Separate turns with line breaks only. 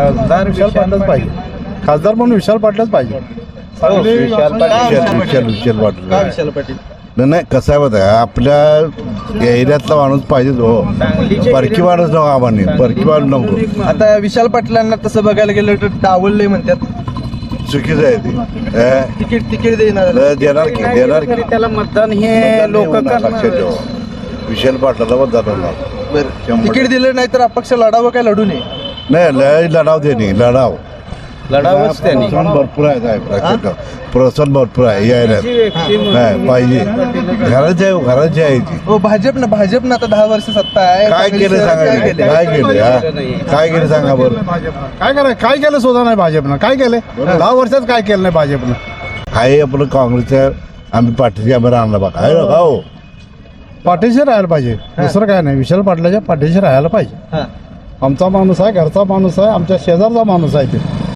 खासदार विशाल पाटीलच पाहिजे. खासदार म्हणून विशाल पाटीलच पाहिजे.
विशाल पाटील
नाही कसं आहे माहिती आहे, आपल्या एरियातला माणूस पाहिजे हो. परकी माणूस नको आम्हाला, परकी माणूस नको.
आता विशाल पाटलांना तसं बघायला गेलं तर डावललंय म्हणतात.
चुकीचं आहे ते.
तिकीट देणार
देणार की
त्याला मतदान हे लोक
लक्षात ठेवा. विशाल पाटलाला मतदान होणार.
बरं तिकीट दिलं नाही तर अपक्ष लढावं काय लढू नये.
नाही लढाव ते नाही लढाव
लढावच त्यांनी.
प्रोत्साहन भरपूर आहे साहेब, लक्षात ठेवा. प्रोत्साहन भरपूर आहे या एरियात. नाही पाहिजे घराची आहे ती.
हो भाजपनं आता 10 वर्ष सत्ता आहे.
काय केलं सांगा, काय केलं सांगा बरं.
काय केलं सुद्धा नाही भाजपनं. काय केलंय 10 वर्षात काय केलं नाही भाजपनं.
आहे आपलं काँग्रेसच्या आम्ही पाठीशी आम्ही राहणार बघा आहे बघा हो.
पाठीशी राहायला पाहिजे, दुसरं काय नाही. विशाल पाटलाच्या पाठीशी राहायला पाहिजे.
हां.
आमचा माणूस आहे, घरचा माणूस आहे, आमच्या शेजारचा माणूस आहे ते.